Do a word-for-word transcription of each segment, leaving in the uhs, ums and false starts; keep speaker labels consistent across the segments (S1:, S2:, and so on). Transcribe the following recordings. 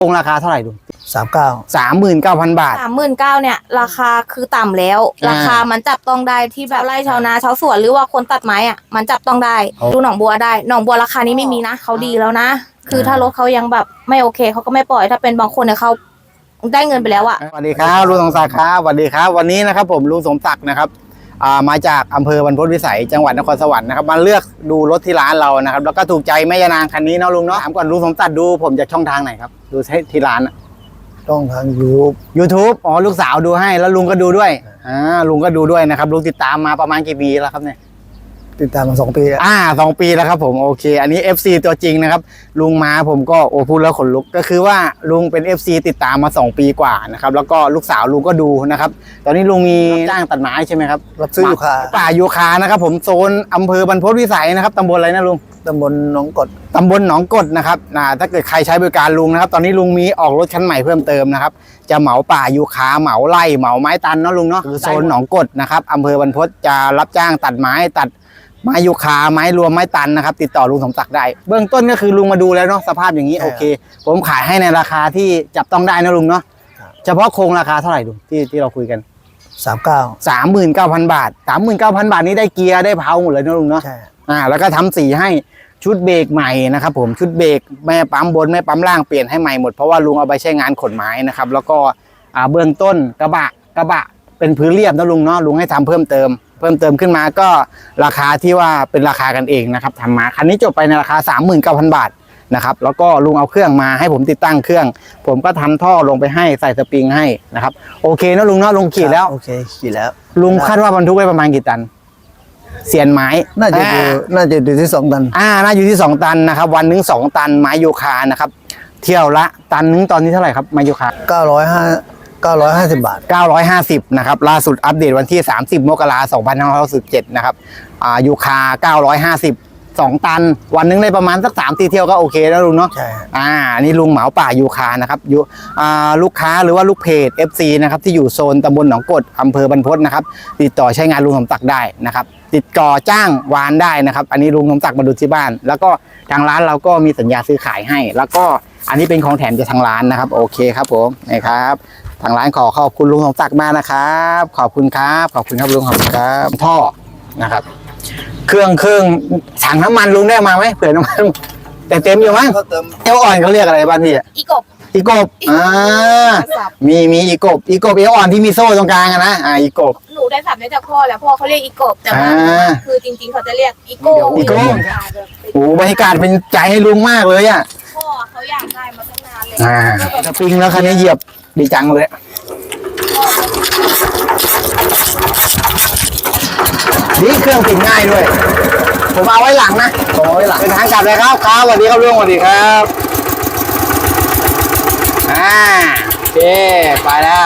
S1: คงราคาเท่าไหร่ดู
S2: สามเก้า
S1: สามหมื่นเก้าพันบาท
S3: สามหมื่นเก้าเนี่ยราคาคือต่ำแล้วราคามันจับต้องได้ที่แบบไร่ชาวนาชาวสวนหรือว่าคนตัดไม้อ่ะมันจับต้องได้ดูหนองบัวได้หนองบัวราคานี้ไม่มีนะเขาดีแล้วนะคือถ้ารถเขายังแบบไม่โอเคเขาก็ไม่ปล่อยถ้าเป็นบางคนเนี่ยเขาได้เงินไปแล้วอะ
S1: สวัสดีครับลุงสมศักดิ์ครับสวัสดีครับวันนี้นะครับผมลุงสมศักดิ์นะครับมาจากอำเภอบรรพตวิสัยจังหวัดนครสวรรค์นะครับมาเลือกดูรถที่ร้านเรานะครับแล้วก็ถูกใจแม่ยานางคันนี้เนาะลุงเนาะถามก่อนลุงสมศักดิ์ดูผมจากช่องทางไหนครับดูที่ร้าน
S2: ช่องทางยูทูบ
S1: ยูทูบอ๋อลูกสาวดูให้แล้วลุงก็ดูด้วยอ่าลุงก็ดูด้วยนะครับลุงติดตามมาประมาณกี่ปีแล้วครับเนี่ย
S2: ติดตามมาสองปีแล้ว
S1: อ่าสองปีแล้วครับผมโอเคอันนี้ เอฟ ซี ตัวจริงนะครับลุงมาผมก็โอ้พูดแล้วขนลุกก็คือว่าลุงเป็น เอฟ ซี ติดตามมาสองปีกว่านะครับแล้วก็ลูกสาวลุงก็ดูนะครับตอนนี้ลุงมีจ้างตัดไม้ใช่ไหมครับ
S2: รับซื้อยูคา
S1: ป่ายูคานะครับผมโซนอำเภอบรรพตวิสัยนะครับตำบลอะไรนะลุง
S2: ตำบลหนองกด
S1: ตำบลหนองกดนะครับนะถ้าเกิดใครใช้บริการลุงนะครับตอนนี้ลุงมีออกรถคันใหม่เพิ่มเติมนะครับจะเหมาป่ายูคาเหมาไร่เหมาไม้ตันเนาะลุงเนาะคือโซนหนองกดนะครับอำเภอบรรพตจะรับจ้างตัดไม้ตัดไม้ยูคาไม้รวมไม้ตันนะครับติดต่อลุงสมศักดิ์ได้เบื้องต้นก็คือลุงมาดูแล้วเนาะสภาพอย่างนี้โอเคผมขายให้ในราคาที่จับต้องได้นะลุงเนาะเฉพาะโครงราคาเท่าไหร่ลุงที่ที่เราคุยกัน
S2: สามเก้า
S1: สามหมื่นเก้าพันบาทสามหมื่นเก้าพันบาทนี้ได้เกียร์ได้เพลาหมดเลยนะลุงเนาะ
S2: ใช่
S1: อ่าแล้วก็ทำสีให้ชุดเบรกใหม่นะครับผมชุดเบรกแม่ปั๊มบนแม่ปั๊มล่างเปลี่ยนให้ใหม่หมดเพราะว่าลุงเอาไปใช้งานขนไม้นะครับแล้วก็อ่าเบื้องต้นกระบะกระบะเป็นพื้นเรียบนะลุงเนาะลุงให้ทำเพิ่มเติมเพิ่มเติมขึ้นมาก็ราคาที่ว่าเป็นราคากันเองนะครับทำมาคันนี้จบไปในราคา สามหมื่นเก้าพัน บาทนะครับแล้วก็ลุงเอาเครื่องมาให้ผมติดตั้งเครื่องผมก็ทำท่อลงไปให้ใส่สปริงให้นะครับโอเคนะลุงเนาะลุงขี่แล้ว
S2: โอเคขี่แล้ว
S1: ลุงคาดว่าบรรทุกได้ประมาณกี่ตันเสียนไม้
S2: น่าจะอยู่น่าจะอยู่ที่สองตัน
S1: อ่าน่าอยู่ที่สองตันนะครับวันนึงสองตันไม้โยคานะครับเที่ยวละตันนึงตอนนี้เท่าไหร่ครับไม้โยคา
S2: เก้าร้อยห้าเก้าร้อยห้าสิบบาท
S1: เก้าร้อยห้าสิบนะครับล่าสุดอัปเดตวันที่สามสิบมกราคมสองพันห้าร้อยสิบเจ็ดนะครับอ่ายูคาเก้าร้อยห้าสิบ สองตันวันนึงได้ประมาณสักสามสี่เที่ยวก็โอเคแล้วลุงเนาะ
S2: ใช่
S1: อ่านี่ลุงเหมาป่ายูคานะครับอยู่อ่าลูกค้าหรือว่าลูกเพจ เอฟ ซี นะครับที่อยู่โซนตำบลหนองกดอำเภอบรรพตนะครับติดต่อใช้งานลุงสมศักดิ์ได้นะครับติดต่อจ้างวานได้นะครับอันนี้ลุงสมศักดิ์มาดูที่บ้านแล้วก็ทางร้านเราก็มีสัญญาซื้อขายให้แล้วก็อันนี้เป็นของแถมจากทางร้านนะครับโอเคครับผมนะครับทางร้านขอขอบคุณลุงสมศักดิ์มากนะครับขอบคุณครับขอบคุณครับลุงขอบคุณครับท่อนะครับเครื่องเครื่องถังน้ำมันลุงได้มาไหมเผื่อน้ำมันแต่เต็มอยู่มั้งเอวอ่อนเขาเรียกอะไรบ้านพี่
S3: อีกบ
S1: อีกบอ่ามีมีอีกบอีกบเอวอ่อนที่มีโซ่ตรงกลางนะอ่าอีกบ
S3: หนูได้สับได้จากพ่อแล้วพ่อเขาเรียกอีกบแต่ว่าคือจริงๆเขาจะเรียกอีโก้
S1: อีโก้โอ้บรรยากาศเป็นใจให้ลุงมากเลยอ่ะ
S3: พ่อเขาอยากได้มาตั้งนานเลย
S1: อ่าสปริงแล้วคันนี้เหยียบดีจังเลยนี่เครื่องติดง่ายด้วยผมเอาไว้หลังนะผมเอาไว้หลังเป็นทางกลับเลยครับครับสวัสดีครับลุงสวัสดีครับอ่าโอเคไปแล้ว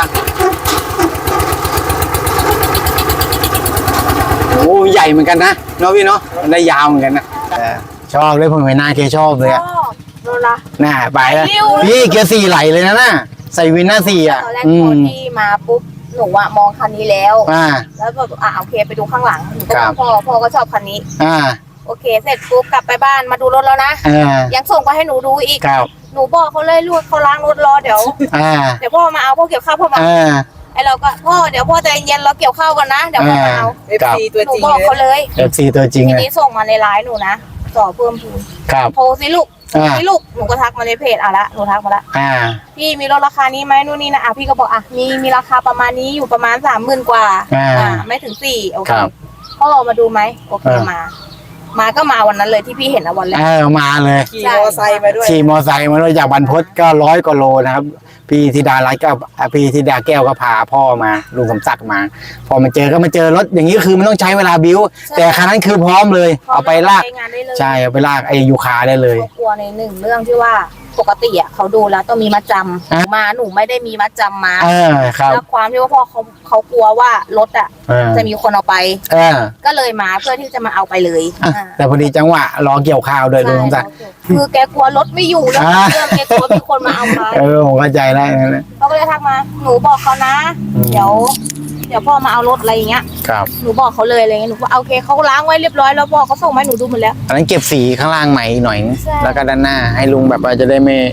S1: โอ้ใหญ่เหมือนกันนะเนาะพี่เนาะมันได้ยาวเหมือนกันนะชอบเลยผมเห็นหน้าเคชอบเลยอะ
S3: โดนละ
S1: น่าไปแล้วพี่เกียร์สี่ไหลเลยนะน่ะใส่วินหน้าสี่อ่ะ
S3: ตอนแรกพอที่มาปุ๊บหนูอะมองคันนี้แล้วแล้วแบบอ่ะโอเคไปดูข้างหลังหนูก็พ่อพ่อก็ชอบคันนี้
S1: อ่า
S3: โอเคเสร็จปุ๊บกลับไปบ้านมาดูรถแล้วนะยังส่งไปให้หนูดูอีกหนูบอกเขาเลยลูกเขาล้างรถรอเดี๋ยวเดี๋ยวพ่อมาเอาพ่อเกี่ยวข้าวพ่อมาไอเราก็พ่อเดี๋ยวพ่อใจเย็นเราเกี่ยวข้าวกันนะเดี๋ยวพ่อมาเอา
S1: เอฟซี
S3: ตัวจริงหนูบอกเขาเลย
S1: เอฟซีตัวจริง
S3: ทีนี้ส่งมาในไลน์หนูนะต่อเพิ่มทุนโทรสิลูกพี่ลูกหนูก็ทักมาในเพจอ่ะละหนูทักมาละพี่มีรถราคานี้ไหมนู่นนี่นะอ่ะพี่ก็บอกอ่ะมีมีราคาประมาณนี้อยู่ประมาณสามหมื่นกว่าอ่าไม่ถึงสี่โอเคพ่อมาดูไหมโอเคมามาก็มาวันนั้นเลยที่พี่เห็นวันแรก
S1: เออมาเลย
S3: ขี่มอไซค์มาด้วย
S1: ขี่มอไซค์มาด้วยจากบรรพตก็ร้อยกว่าโลนะครับพี่ธิดารัตน์ก็พี่ธิดาแก้วก็พาพ่อมาลุงสมศักดิ์มาพอมาเจอก็มาเจอรถอย่างนี้คือมันต้องใช้เวลาบิ้วแต่คันนั้นคือพร้อมเลยเอาไปลากใช่เอาไปลากไอ้ยูคาได้เลย
S3: กลัวในหนึ่งเรื่องที่ว่าปกติอ่ะเขาดูแล้วต้องมีมัดจำมาหนูไม่ได้มีมัดจำมาแล้วความที่ว่าพ่อเขาเขากลัวว่ารถอ่ะจะมีคนเอาไปก็เลยมาเพื่อที่จะมาเอาไปเลย
S1: แต่พอดีจังหวะรอเกี่ยวข้าวโดยลุงสมศักดิ์
S3: คือแกกลัวรถไม่อยู่แล้วเรื่องแกกลัวมีคนมาเอาไป
S1: เออผมเข้าใจแล้ว
S3: เขาก็เลยทักมาหนูบอกเขานะเดี๋ยวเดี๋ยวพ่อมาเอารถอะไรอย่างเงี้ย
S1: ครับ
S3: หนูบอกเขาเลยอะไรเงี้ยหนูว่าโอเคเขาล้างไว้เรียบร้อยแล้วพ่อเขาส่งมาให้หนูดูหมดแล้ว
S1: อันนั้นเก็บสีข้างล่างใหม่หน่อยแล้วก็ด้านหน้าให้ลุงแบบว่าจะได้ไม่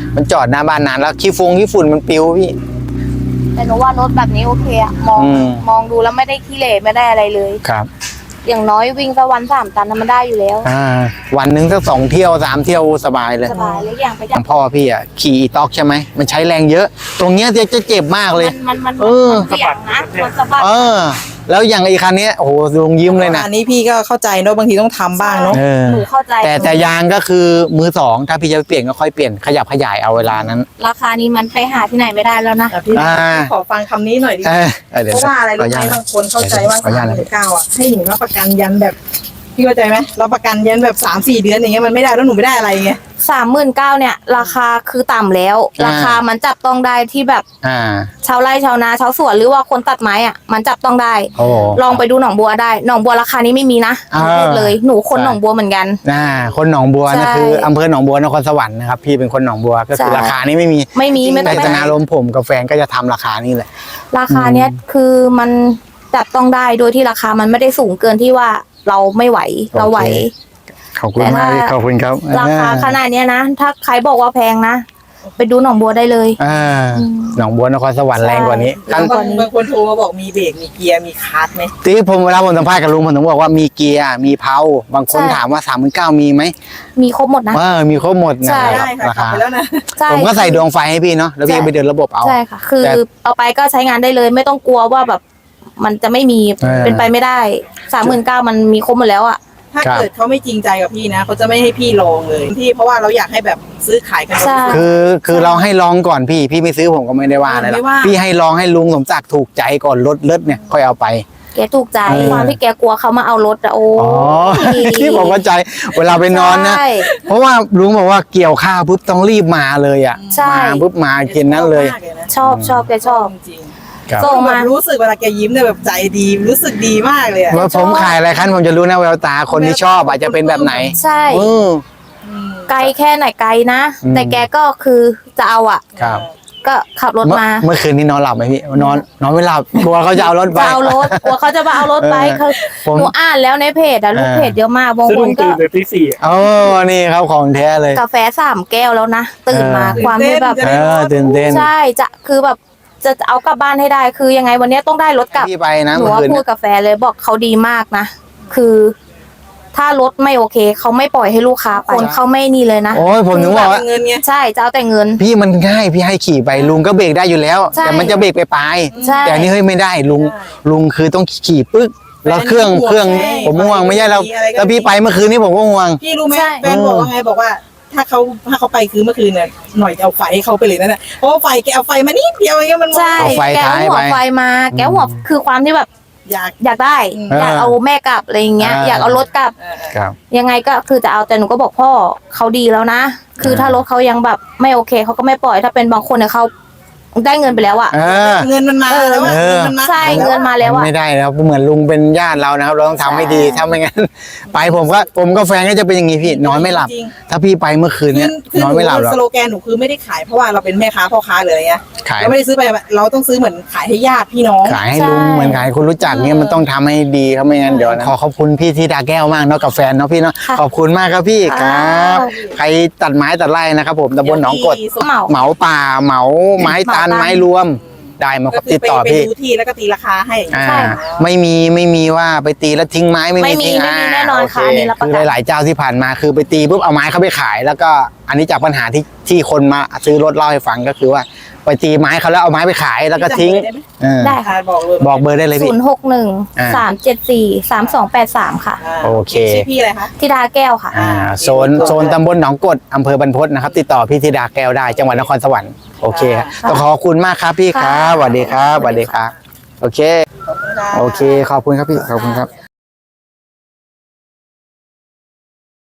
S1: มันจอดหน้าบ้านนานแล้วขี้ฟงขี้ฝุ่นมันปิวพี่
S3: แต่หนูว่ารถแบบนี้โอเคอะมอง
S1: อืม
S3: มองดูแล้วไม่ได้ขี้เหร่ไม่ได้อะไรเลย
S1: ครับ
S3: อย่างน้อยวิ่งสักวันสามตันน่ะมันได้อยู่แล้ว
S1: อ่าวันหนึ่งสักสองเที่ยวสามเที่ยวสบายเลย
S3: สบายเลยอย่างไป
S1: อ
S3: จา
S1: ย่าก งพ่อพี่อ่ะขี่อีต็อกใช่ไหมมันใช้แรงเยอะ ตรงเนี้ยจะจะเจ็บมากเลย
S3: มันมัน
S1: เออ
S3: มันเสี่ยงนะมันสะบัด
S1: เออ แล้วอย่างไอ้คันเนี้ยโอ้โหลุงยิ้มเลยนะ
S4: อันนี้พี่ก็เข้าใจเนอะบางทีต้องทำบ้างเนาะ
S1: เออ
S3: หนูเข้าใจ
S1: แต่แต่ยางก็คือมือสองถ้าพี่จะเปลี่ยนก็ค่อยเปลี่ยนขยับขยายเอาเวลานั้น
S3: ราคานี้มันไปหาที่ไหนไม่ได้แล้วนะ
S4: แต่พี่
S1: อ่า
S4: ขอฟังคำนี้หน่อยดิ
S1: เออเออเดี๋ยว
S4: เพราะว่าอะไรรู้ไหม
S1: ข
S4: บางคนเข้าใจว่า
S1: ขออนุญา
S4: สา
S1: ต
S4: ม
S1: นะ
S4: หมื่นเก้าอ่ะให้หนูรับประกันยันแบบพี่เข้าใจไหมรับประกันยันแบบสามสี่เดือนอย่างเงี้ยมันไม่ได้แล้วหนูไม่ได้อะไรไง
S3: สามหมื่นเก้าเนี่ย ราคาคือต่ำแล้ว ราคามันจับต้องได้ที่แบบ
S1: อ่า
S3: ชาวไร่ชาวนาชาวสวนหรือว่าคนตัดไม้อ่ะมันจับต้องได้
S1: โอ้
S3: ลองไปดูหนองบัวได้หนองบัวราคานี้ไม่มีนะ
S1: อ่า
S3: พูดเลยหนูคน
S1: ใช่
S3: หนองบัวเหมือนกัน
S1: น่าคนหนองบัวนะ
S3: ใช่
S1: คืออำเภอหนองบัวนครสวรรค์นะครับพี่เป็นคนหนองบัวก็คือ
S3: ใช่
S1: ราคานี้ไม่มี
S3: ไม่มีไม่ต้
S1: แต่
S3: องไป
S1: จนารมณ์ผมกับแฟนก็จะทำราคานี้แหละ
S3: ราคาเนี้ยคือมันจับต้องได้โดยที่ราคามันไม่ได้สูงเกินที่ว่าเราไม่ไหวเราไหว
S1: ขอบคุณมากพี่ขอบคุณครับ
S3: ราคาขนาดเนี้ยนะ ถ้าใครบอกว่าแพงนะ ไปดูหนองบัวได้เลย
S1: อ่าหนองบัวนครสวรรค์แรงกว่านี้
S3: ใช่
S1: ขั้น
S4: บางบางคนโทรมาบอกมีเบรกมีเกียร์มีคลัตช์ไหม
S1: ที่ผมเวลาผมสัมภาษณ์กับลุงผมถึงบอกว่ามีเกียร์มีเพลาบางคน
S3: ใช่
S1: ถามว่าสามหมื่นเก้ามีไหม
S3: มีครบหมดนะ
S1: เออมีครบหมดนะ
S3: ใช่
S1: ครับ
S4: ได้ค่ะ
S1: รา
S4: ขับ
S1: คา
S4: ไปแล้วนะ
S3: ใช่
S1: ผมก็ใส่ดวงไฟให้พี่เนาะแล้วพี่
S3: ใช่
S1: ไปเดินระบบเอา
S3: ใช่ค่ะ คือ
S1: แต่
S3: เอาไปก็ใช้งานได้เลย ไม่ต้องกลัวว่าแบบ มันจะไม่มี
S1: เออ
S3: เป็นไปไม่ได้สามหมื่นเก้ามันมีครบหมดแล้วอ่ะ
S4: ถ้า
S1: ครับ
S4: เกิดเขาไม่จริงใจกับพี่นะเขาจะไม่ให้พี่ลองเลยที่เพราะว่าเราอยากให้แบบซื้อขายกัน
S3: ใช่
S1: คือคือเราให้ลองก่อนพี่พี่ไม่ซื้อผมก็ไม่ได้ว่าอะไรหรอก
S4: ไม่ว่า
S1: พี่ให้ลองให้ลุงสมศักดิ์ถูกใจก่อนรถเลิศเนี่ยค่อยเอาไป
S3: แกถูกใจ
S1: เออ
S3: ความที่แกกลัวเขามาเอารถอะโอ้
S1: อ๋อที่ผมเข้าใจเวลาไปนอนนะ
S3: ใช่
S1: เพราะว่าลุงบอกว่าเกี่ยวข้าวปุ๊บต้องรีบมาเลยอ่ะ
S3: ใช่
S1: มาปุ๊บมากินนั้นเลย
S4: ชอบมากนะ
S3: ชอบชอบแกชอบ
S4: จริง
S1: ครับ
S3: ส่ง
S4: ๆ
S3: มา
S4: แบบรู้สึกเวลาแกยิ้มเนี่ยแบบใจดีรู้สึกดีมากเลยอะ
S1: ว่าผมขายอะไรคันผมจะรู้นะแววตาคนที่ชอบอาจจะเป็นแบบไหน
S3: ใช่
S1: เออ
S4: อืม
S3: ไกลแค่ไหนไกลนะ
S1: อืม
S3: แต่แกก็คือจะเอาอ่ะ
S1: ครับ
S3: ก็ขับรถ
S1: เมื่อ
S3: มา
S1: เมื่อคืนนี้นอนหลับไหมพี่นอนนอนไม่หลับกลัวเขาจะเอารถไป
S3: จะเอารถกลัวเขาจะมาเอารถไป
S1: เออ
S3: คือ
S1: ผม
S3: หนูอ่านแล้วในเพจอะลูก
S1: เออ
S3: เพจเยอะมากบาง
S5: ซึ่ง
S3: ค
S5: ลุ
S3: น
S5: ง
S3: ก็
S5: ตื่นเลยตีสี่
S1: โอ้นี่ครับของแท้เลย
S3: กาแฟสามแก้วแล้วนะตื่นมา
S1: เออ
S3: ความที่แบบ
S1: เออตื่นเต้น
S3: ใช่จะคือแบบจะเอากลับบ้านให้ได้คือยังไงวันนี้ต้องได้รถกลับ
S1: พี่ไปนะ
S3: หนู
S1: เมื่อ
S3: ว่า
S1: คืน
S3: พู
S1: เนี่
S3: ด
S1: ย
S3: กับแฟนเลยบอกเขาดีมากนะ คือ ถ้ารถไม่โอเคเขาไม่ปล่อยให้ลูกค้าไปคนเขาไม่นี่เลยนะ
S1: โอ้ยผมถึงบอกว่า
S4: เงินไง
S3: ใช่จะเอาแต่เงิน
S1: พี่มันง่ายพี่ให้ขี่ไปลุงก็เบรกได้อยู่แล้ว
S3: ใช่
S1: แต่มันจะเบรกไปปลาย
S3: ใช่
S1: แต่อันนี่เฮ้ยไม่ได้ลุง
S4: ใช่
S1: ลุงคือต้องขี่ปึ๊กแล้วเครื่อง
S4: แฟนห่วง
S1: เครื่อง
S4: ใช่
S1: ผมห่วงไม่ใช่แล้ว
S4: มีอะไรก็
S1: แล้วพี่ไปเมื่อคืนนี้ผมก็ห่วง
S4: พี่รู้ไหม
S3: ใช่
S4: แฟนบอกว่าไงบอกว่า ถ้าเขาถ้าเขาไปคือเมื่อคืนเนี่ยหน่อยจะเอาไฟให้เขาไปเลยนั่นแหละเพราะว่าไฟแกเอาไฟมานิดเดียวเองมัน
S3: ใช่
S1: เอาไฟ
S3: แก
S1: ท้าย
S3: หัว
S1: ไป
S3: ไฟมา แกหัวคือความที่แบบ
S4: อยาก
S3: อยากได้
S4: อืม
S3: อยากเอาแม่กลับอะไรอย่างเงี้ย
S1: อ่า
S3: อยากเอารถกลับ
S4: เออ
S1: ครับ
S3: ยังไงก็คือจะเอาแต่หนูก็บอกพ่อเขาดีแล้วนะ คือถ้ารถเขายังแบบไม่โอเคเขาก็ไม่ปล่อยถ้าเป็นบางคนเนี่ยเขาได้เงินไปแล้วอะ
S1: เออ
S4: เงินมันมาแล้วอะ
S1: เออ
S4: เงินมันมา
S3: ใช่เงินมาแล้วอะ
S1: ไม่ได้แล้วเหมือนลุงเป็นญาติเรานะครับ เราต้องทำให้ดี
S3: ใช่
S1: ถ้าไม่งั้น ไปผมก็ผมก็แฟนก็จะเป็นอย่างนี้พี่นอนไม่หลับ
S4: จริง
S1: ถ้าพี่ไปเมื่อคืน
S4: ๆ
S1: เนี้ย
S4: คื
S1: นอนไม่หลับหรอก
S4: สโลแกนหนูคือไม่ได้ขายเพราะว่าเราเป็นแม่ค้าพ่อค้าเลยอะไรเงี้ย
S1: ขาย
S4: เราไม่ได้ซื้อไปเราต้องซื้อเหมือนขายให้ญาติพี่น้อง
S1: ขายให้
S3: ใช่
S1: ลุงเหมือนขายให้คนรู้จักเนี่ยมันต้องทำให้ดีครับไม่งั้นเดี๋ยวนะขอขอบคุณพี่ธิดาแก้วมากเนาะกับแฟนเนาะพี่เนาะ
S3: ค่ะ
S1: ขอบคุณมากครับพี่ค
S3: ค่ะ
S1: รับใครตัดไม้ตัดไร่นะครับผมตำบลหนองกด
S3: เหมา
S1: เหมาป่าเหมาไม้ตาล
S3: เหมาตาล
S1: ไม้รวมได้มาค
S4: ก็
S1: รับ
S4: คือ
S1: ติด
S4: ไป
S1: ต่อ
S4: ไป
S1: พี่
S4: ดูที่แล้วก็ตีราคาให้
S1: อ่า
S3: ใช่
S1: ไม่มีไม่มีว่าไปตีแล้วทิ้งไม้ไม่
S3: ไม่
S1: มี
S3: มี
S1: ทิ้ง
S3: ไม่มี
S1: า
S3: แน่นอนค่ะ
S1: โ
S3: อันนี้รับประกัน
S1: คือหลายๆเจ้าที่ผ่านมาคือไปตีปุ๊บเอาไม้เขาไปขาย แล้วก็อันนี้จากปัญหาที่ที่คนมาซื้อรถเล่าให้ฟังก็คือว่าไปตีไม้เขาแล้วเอาไม้ไปขายแล้วก็ทิ้งเออ
S3: ได้
S4: ค่ะบอกเลย
S1: บอกเบอร์ได้เลย
S3: ศู
S1: พี่
S3: นย์หกหนึ่ง
S1: อ่า
S3: สามเจ็ดสี่สามสองแปดสามค่ะ
S4: า
S1: โอเค
S4: ชื่อพี่อะไรคะ
S3: ธิดาแก้วค่ะ
S1: อ่าโซนโซนตำบลหนองกดอำเภอบรรพตนะครับ ติดต่อพี่ธิดาแก้วได้จังหวัดนครสวรรค์โอเคครับ
S3: ค่ะ
S1: ต้องขอบคุณมากครับพี่ครับสวัสดีครับสวัสดีครับโอเค
S4: ขอบคุณค่ะ
S1: โอเค ขอบคุณครับพี่ ขอบคุณครับ